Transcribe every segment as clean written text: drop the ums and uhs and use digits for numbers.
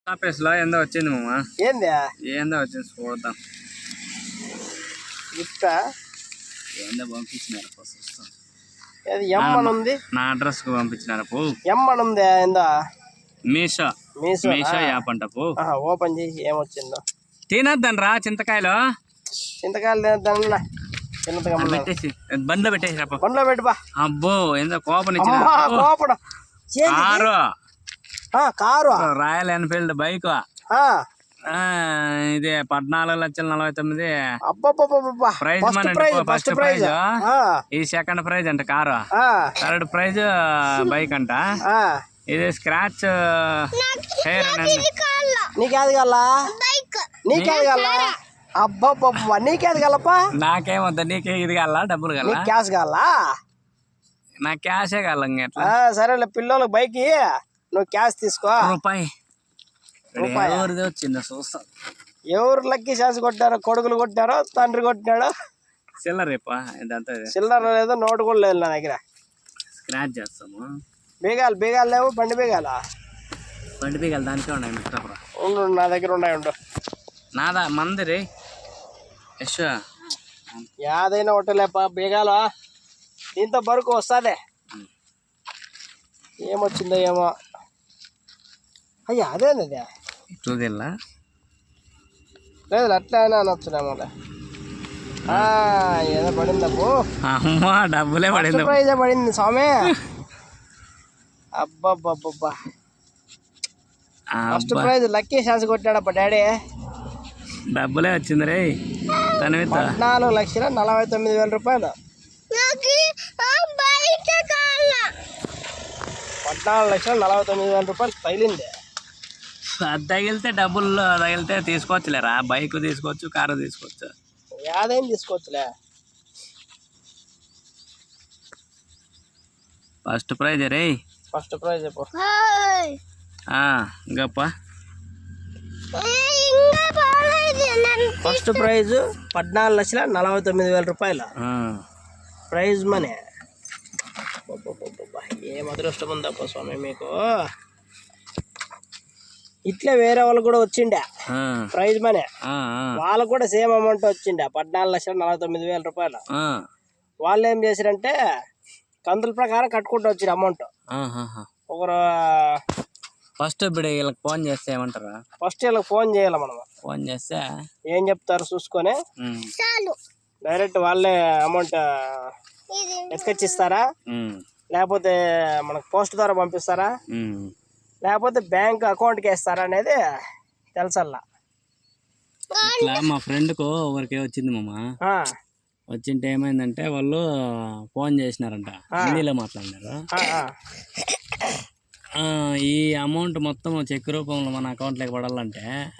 Office లో ఏందో వచ్చింది మామ. ఏంది ఏందో వచ్చింది చూద్దాం. గిఫ్టా ఏందో పంపించినారు చూస్తాం. ఏది ఎమ్మని ఉంది, నా అడ్రస్ కు పంపించినారు పో. ఎమ్మని ఉంది ఏందో మీషో మీషో మీషో యాప్ అంట పో. ఓపెన్ చేసి ఏమొచ్చిందో తినద్దని రా చింతకాయలు. చింతకాయలు తినద్దా పెట్టేసి బండ్లో పెట్టేసి రా. బండ్లో పెట్టుబా. అబ్బో ఏందో కోపం ఇచ్చిన కారు రాయల్ ఎన్ఫీల్డ్ బైక్. ఇది 14,49,000. Prize money first prize. ఈ సెకండ్ ప్రైజ్ అంట కారు. థర్డ్ ప్రైజ్ బైక్ అంట. ఇది స్క్రాచ్ హెయిర్ నీకేది కల్లా నీకేది కల్లా అబ్బా నీకేది కలపా. నాకేమొద్దా, నీకే ఇది కాల డబ్బులు కల క్యాష్ కావాలా? నాకు క్యాషే కాల. సరేలే పిల్లలకు బైక్ నువ్వు క్యాష్ తీసుకో. రూపాయి ఎవరిది వచ్చిందో చూస్తా. ఎవరు లక్కీ ఛాన్స్ కొట్టారో, కొడుకులు కొట్టారో తండ్రి కొట్టినాడో. చిల్లర రేపా ఇదంతా చిల్లర లేదు, నోటు కూడా లేదు నా దగ్గర. స్క్రాచ్ చేస్తాము. బీగాలు లేవు. బండి బీగాల దానికే ఉన్నాయి. ఉండు నా దగ్గర ఉన్నాయి. ఉండు నాదా మందిరి యశ్ యాదైనా ఒకటేలేపా బీగాల. దీంతో బరుకు వస్తుంది. ఏమొచ్చిందో ఏమో. అయ్యా అదేంది చూదిల్లా లేదు అట్లా అయినా అనొచ్చునేమో. ఏదో పడిందబ్బు. అమ్మా డబ్బులే పడింది. ప్రైజే పడింది స్వామి. అబ్బబ్బబ్బబ్బా ఫస్ట్ ప్రైజ్ లక్కీ ఛాన్స్ కొట్టాడప్ప డాడీ. డబ్బులే వచ్చింది రే. 14,49,000 రూపాయలు. 14,49,000 రూపాయలు తగిలింది. అది తగిలితే డబ్బులు తగిలితే తీసుకోవచ్చులేరా. బైక్ తీసుకోవచ్చు, కారు తీసుకోవచ్చు. యాదైనా తీసుకోవచ్చులే. ఫస్ట్ ప్రైజ్ రే. ఫస్ట్ ప్రైజ్ గప్ప. ఫస్ట్ ప్రైజ్ 14,49,000 రూపాయలు ప్రైజ్ మనీ. ఏం అదృష్టం ఉందప్ప స్వామి మీకు. ఇట్లే వేరే వాళ్ళు కూడా వచ్చిండే ప్రైజ్ మనీ. వాళ్ళకు కూడా సేమ్ అమౌంట్ వచ్చిండే 14,49,000 రూపాయలు. వాళ్ళు ఏం చేశారంటే కంతుల ప్రకారం కట్టుకుంటూ వచ్చిన అమౌంట్. ఒకరు ఫస్ట్ ఇప్పుడు వీళ్ళకి ఫోన్ చేస్తే ఏమంటారా? ఫస్ట్ వీళ్ళకి ఫోన్ చేయాలి మనం. ఫోన్ చేస్తే ఏం చెప్తారు చూసుకొని డైరెక్ట్ వాళ్ళే అమౌంట్ ఎత్తుకొచ్చిస్తారా, లేకపోతే మనకు పోస్ట్ ద్వారా పంపిస్తారా, లేకపోతే బ్యాంక్ అకౌంట్కి వేస్తారా అనేది తెలుసల్లా. ఇట్లా మా ఫ్రెండ్కు ఒకరికి వచ్చింది మామ. వచ్చింటే ఏమైందంటే వాళ్ళు ఫోన్ చేసినారంట, హిందీలో మాట్లాడినారు. ఈ అమౌంట్ మొత్తం చెక్ రూపంలో మన అకౌంట్లోకి పడాలంటే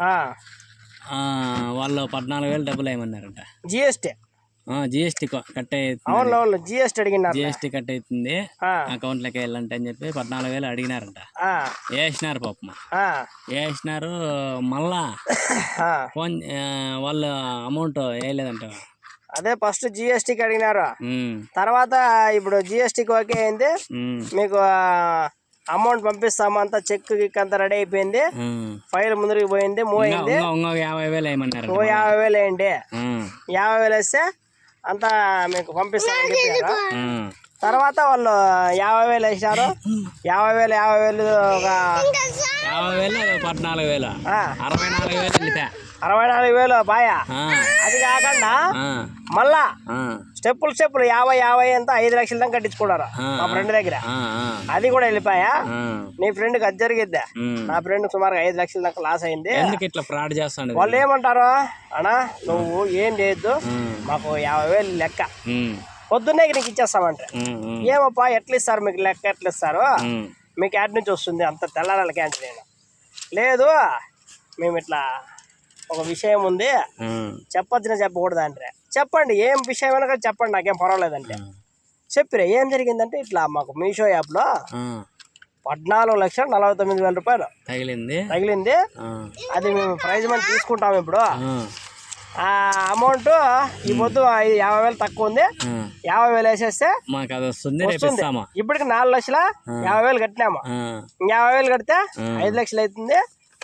వాళ్ళు 14,000 డబ్బులు వేయమన్నారంట. జిఎస్టీ కట్ అవుతుంది. జిఎస్టీ కట్ అవుతుంది అకౌంట్లోకి వెళ్ళంటే అని చెప్పి 14,000 అడిగినారంట. వేసినారు పాపం. వేసినారు. మళ్ళా ఫోన్ వాళ్ళు అమౌంట్ వేయలేదంట. అదే ఫస్ట్ జిఎస్టీకి అడిగినారు. తర్వాత ఇప్పుడు జిఎస్టీకి ఓకే అయింది, మీకు అమౌంట్ పంపిస్తాము, అంతా చెక్ గిక్ అంతా రెడీ అయిపోయింది, ఫైల్ ముందరికి పోయింది, మూవ్ అయింది. 50,000 వేయమన్నారు. 50,000 వేయండి. 50,000 వేస్తే అంతా మీకు పంపిస్తామని చెప్పారు. తర్వాత వాళ్ళు 50,000 వేసినారు. 50,000 ఒక 50,000 14,000 64,000 64,000 బాయా. అది కాకుండా మళ్ళా స్టెప్పులు 50 అంతా 5 లక్షల దాకా కట్టించుకున్నారు మా ఫ్రెండ్ దగ్గర. అది కూడా వెళ్ళిపోయా. నీ ఫ్రెండ్కి అది జరిగిద్దా? నా ఫ్రెండ్ సుమారుగా 5 లక్షల దాకా లాస్ అయింది. వాళ్ళు ఏమంటారు, అన్నా నువ్వు ఏం చేయొద్దు, మాకు 50,000 లెక్క పొద్దున్నే నీకు ఇచ్చేస్తామంటే. ఏమప్పా ఎట్లా ఇస్తారు మీకు లెక్క, ఎట్లా ఇస్తారు మీకు యాడ్ నుంచి వస్తుంది అంత తెల్లారాల క్యాంటీన్. లేదు మేము ఇట్లా ఒక విషయం ఉంది చెప్పొచ్చునా చెప్పకూడదు అంటే. చెప్పండి ఏం విషయం అయినా చెప్పండి, నాకేం పర్వాలేదంటే. చెప్పిరే ఏం జరిగిందంటే ఇట్లా మాకు మీషో యాప్లో 14,49,000 రూపాయలు తగిలింది. అది మేము ప్రైజ్ మనీ తీసుకుంటాము. ఇప్పుడు ఆ అమౌంట్ ఈ పొద్దు 50,000 తక్కువ ఉంది, 50,000 వేసేస్తే వస్తుంది. ఇప్పటికి 4,50,000 కట్టినాము. 50,000 కడితే 5 లక్షలు అవుతుంది.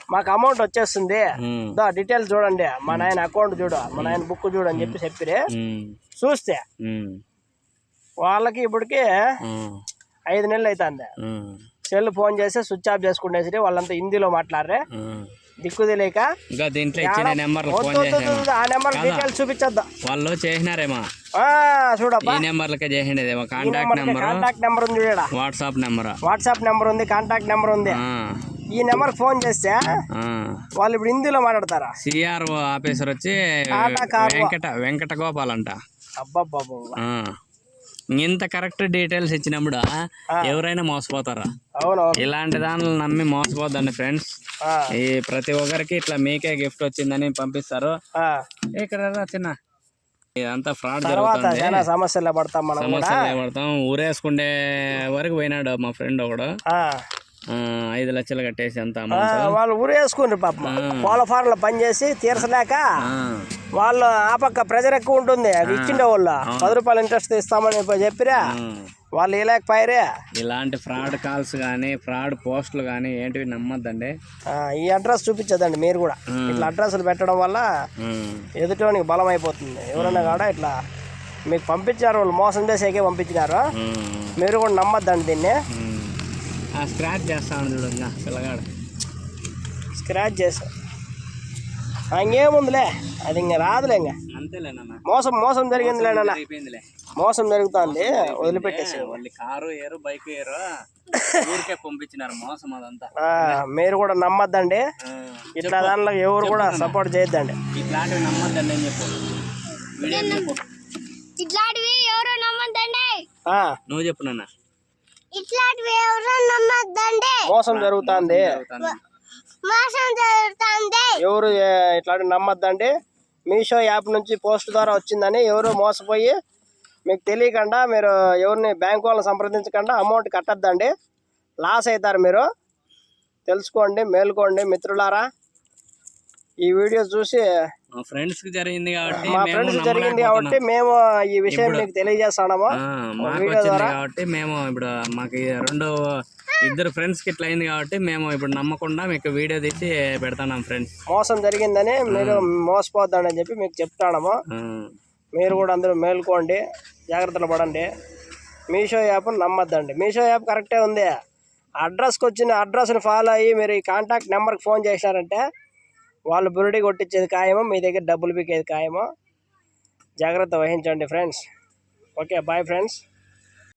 మాకు అమౌంట్ వచ్చేస్తుంది, డీటెయిల్స్ చూడండి, మా నాయన అకౌంట్ చూడు, మా నాయన బుక్ చూడు అని చెప్పిరి. చూస్తే వాళ్ళకి ఇప్పటికి 5 నెలలు అవుతుంది. సెల్ ఫోన్ చేసి స్విచ్ ఆఫ్ చేసుకునేసి వాళ్ళంతా హిందీలో మాట్లాడరే, దిక్కు తెలియక. ఆ నెంబర్ డీటెయిల్స్ చూపించద్దా వాళ్ళు చేసినారేమో చూడబ్బా. కాంటాక్ట్ నెంబర్ ఉంది చూడ, వాట్సాప్ నెంబర్ ఉంది, కాంటాక్ట్ నెంబర్ ఉంది. ఈ నెంబర్ ఫోన్ చేస్తే వాళ్ళు ఇప్పుడు హిందీలో మాట్లాడతారా? సిఆర్ఓ ఆఫీసర్ వచ్చి వెంకట గోపాల్ అంట. అబ్బాబ్బాబు, ఇంత కరెక్ట్ డీటెయిల్స్ ఇచ్చినప్పుడు ఎవరైనా మోసపోతారా? అవును, ఇలాంటి దానిలో నమ్మి మోసపోద్దండి ఫ్రెండ్స్. ఈ ప్రతి ఒక్కరికి ఇట్లా మీకే గిఫ్ట్ వచ్చిందని పంపిస్తారు. ఇక్కడ చిన్న ఇదంతా ఫ్రాడ్ జరుగుతుంది, సమస్యలు పడతాం. ఊరేసుకుండే వరకు పోయినాడు మా ఫ్రెండ్ ఒకడు, 5 లక్షలు కట్టేసి అంత వాళ్ళు ఊరేసుకుని పాపం కోళ్ళ ఫార్మ్లో పనిచేసి తీర్చలేక వాళ్ళు ఆ పక్క ప్రెజర్ ఎక్కువ ఉంటుంది. అది ఇచ్చిండే వాళ్ళు 10 రూపాయలు ఇంట్రెస్ట్ ఇస్తామని చెప్పిరా, వాళ్ళు ఇలాకపోయారే. ఇలాంటి ఫ్రాడ్ కాల్స్ కానీ ఫ్రాడ్ పోస్టులు కానీ ఏంటివి నమ్మద్దండి. ఈ అడ్రస్ చూపించదండి మీరు కూడా. ఇట్లా అడ్రస్లు పెట్టడం వల్ల ఎదుటోనికి బలం అయిపోతుంది. ఎవరైనా కూడా ఇట్లా మీకు పంపించారు, వాళ్ళు మోసం చేసేకే పంపించినారు, మీరు కూడా నమ్మద్దండి దీన్ని. స్క్రాచ్ చేస్తాను చూడండి పిల్లగాడు, స్క్రాచ్ చేసా ఇంకేముందిలే, అది ఇంకా రాదులే. ఇంకా అంతేలేనన్నా, మోసం జరిగిందిలేనన్నా, మోసం జరుగుతుంది, వదిలిపెట్టేసి. వాళ్ళు కారు ఏరు బైక్ ఏరు ఊరికే పంపించినారు, మోసం అదంతా. మీరు కూడా నమ్మద్దండి, ఇట్లా దానిలో ఎవరు కూడా సపోర్ట్ చేయొద్దండి. ఇట్లాంటివి నమ్మద్దండి అని చెప్పు, ఇట్లాంటివి ఎవరు నమ్మద్దండి. నువ్వు చెప్పు నాన్న, ఇట్లాంటివి ఎవరు నమ్మద్దండి, మోసం జరుగుతుంది, ఎవరు ఇట్లాంటి నమ్మద్దండి. మీషో యాప్ నుంచి పోస్ట్ ద్వారా వచ్చిందని ఎవరు మోసపోయి మీకు తెలియకుండా మీరు ఎవరిని బ్యాంకు వాళ్ళని సంప్రదించకుండా అమౌంట్ కట్టద్దండి, లాస్ అవుతారు మీరు. తెలుసుకోండి, మేలుకోండి మిత్రులారా. ఈ వీడియో చూసి మా ఫ్రెండ్స్ కి జరిగింది కాబట్టి మేము ఈ విషయం మీకు తెలియజేస్తాము కాబట్టి మేము ఇప్పుడు మాకు 2 ఫ్రెండ్స్ కి ఇట్లా అయింది కాబట్టి మేము ఇప్పుడు నమ్మకుండా మీకు వీడియో తీసి పెడతాం ఫ్రెండ్స్. మోసం జరిగిందని మీరు మోసపోద్దని అని చెప్పి మీకు చెప్తాము. మీరు కూడా అందరూ మేలుకోండి, జాగ్రత్తలు పడండి. మీషో యాప్ నమ్మద్దండి. మీషో యాప్ కరెక్టే ఉంది, అడ్రస్కి వచ్చిన అడ్రస్ని ఫాలో అయ్యి మీరు ఈ కాంటాక్ట్ నెంబర్కి ఫోన్ చేసినారంటే వాళ్ళు బురుడి కొట్టించేది ఖాయమో, మీ దగ్గర డబ్బులు పీకేది ఖాయమో. జాగ్రత్త వహించండి ఫ్రెండ్స్. Okay, bye friends.